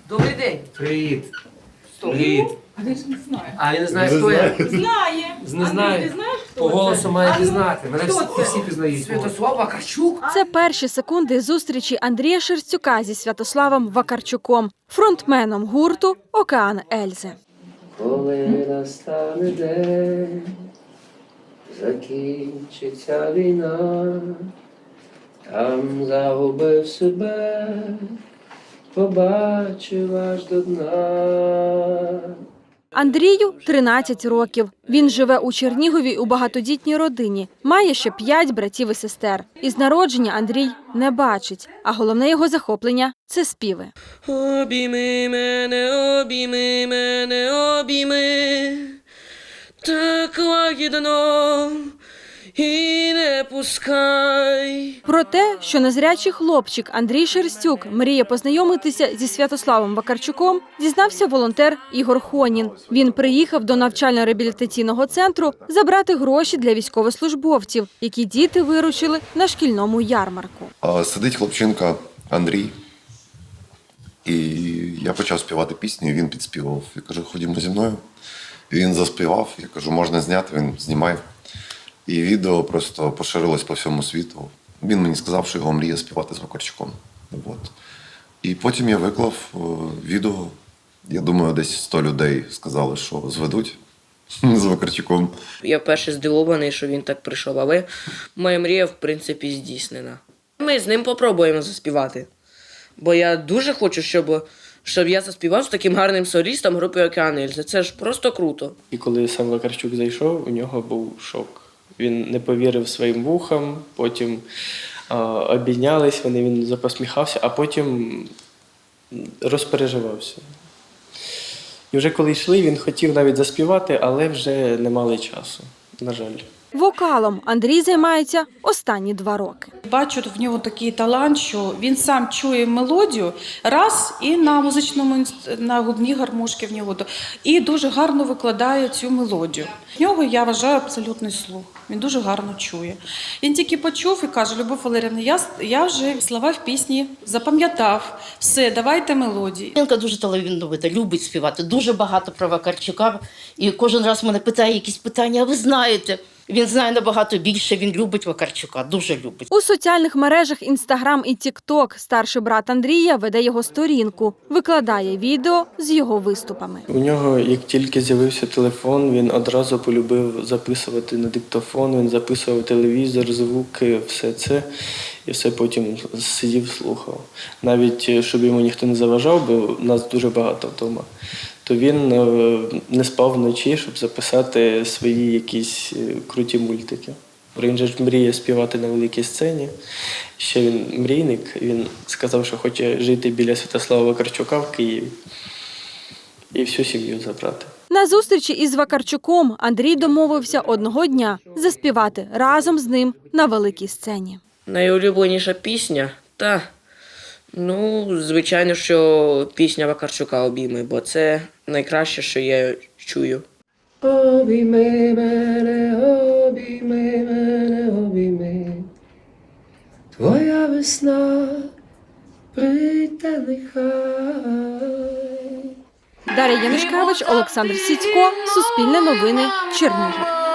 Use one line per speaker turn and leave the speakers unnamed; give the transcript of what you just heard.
Добрий день.
Привіт.
Стоп.
Привіт.
А він ж не знає.
А він не знає, хто я?
Знає.
Не знає.
Андрій, ти знаєш, хто
По голосу
це?
має
А ну,
пізнати. Мене
хто це?
всі пізнають.
Святослав Вакарчук?
Це перші секунди зустрічі Андрія Шерстюка зі Святославом Вакарчуком, фронтменом гурту «Океан Ельзи».
Коли настане день, закінчиться війна, там загубив себе, побачив аж до дна.
Андрію 13 років. Він живе у Чернігові у багатодітній родині. Має ще 5 братів і сестер. Із народження Андрій не бачить, а головне його захоплення – це співи.
Обійми мене, обійми, так лагідно і не пускай.
Про те, що незрячий хлопчик Андрій Шерстюк мріє познайомитися зі Святославом Вакарчуком, дізнався волонтер Ігор Хонін. Він приїхав до навчально-реабілітаційного центру забрати гроші для військовослужбовців, які діти виручили на шкільному ярмарку.
Сидить хлопчинка Андрій, і я почав співати пісню, і він підспівав. Я кажу, ходімо зі мною. Він заспівав, я кажу, можна зняти, він знімає. І відео просто поширилось по всьому світу. Він мені сказав, що його мріє співати з Вакарчуком. От. І потім я виклав відео. Я думаю, десь 100 людей сказали, що зведуть з Вакарчуком.
Я вперше здивований, що він так прийшов, але моя мрія, в принципі, здійснена. Ми з ним попробуємо заспівати. Бо я дуже хочу, щоб я заспівав з таким гарним солістом групи «Океан Ельзи». Це ж просто круто.
І коли сам Вакарчук зайшов, у нього був шок. Він не повірив своїм вухам, потім обійнялись вони, він запосміхався, а потім розпереживався. І вже коли йшли, він хотів навіть заспівати, але вже не мали часу, на жаль.
Вокалом Андрій займається останні 2 роки.
Бачу в нього такий талант, що він сам чує мелодію раз і на музичному на губній гармошки в нього. І дуже гарно викладає цю мелодію. В нього, я вважаю, абсолютний слух. Він дуже гарно чує. Він тільки почув і каже, Любов Валеріївна, я вже слова в пісні запам'ятав. Все, давайте мелодії.
Янка дуже талановита, любить співати, дуже багато про Вакарчука. І кожен раз мене питає якісь питання, а ви знаєте? Він знає набагато більше, він любить Вакарчука, дуже любить.
У соціальних мережах Instagram і TikTok старший брат Андрія веде його сторінку, викладає відео з його виступами.
У нього, як тільки з'явився телефон, він одразу полюбив записувати на диктофон, він записував телевізор, звуки, все це. І все потім сидів, слухав. Навіть, щоб йому ніхто не заважав, бо нас дуже багато вдома, то він не спав вночі, щоб записати свої якісь круті мультики. Він же мріє співати на великій сцені. Ще він мрійник, він сказав, що хоче жити біля Святослава Вакарчука в Києві і всю сім'ю забрати.
На зустрічі із Вакарчуком Андрій домовився одного дня заспівати разом з ним на великій сцені.
Найулюбленіша пісня? Звичайно, що пісня Вакарчука «Обійми», бо це найкраще, що я чую.
Обійми мене, обійми мене, обійми. Твоя весна прийде нехай.
Дар'я Янушкевич, Олександр Сіцько, Суспільне новини, Чернігів.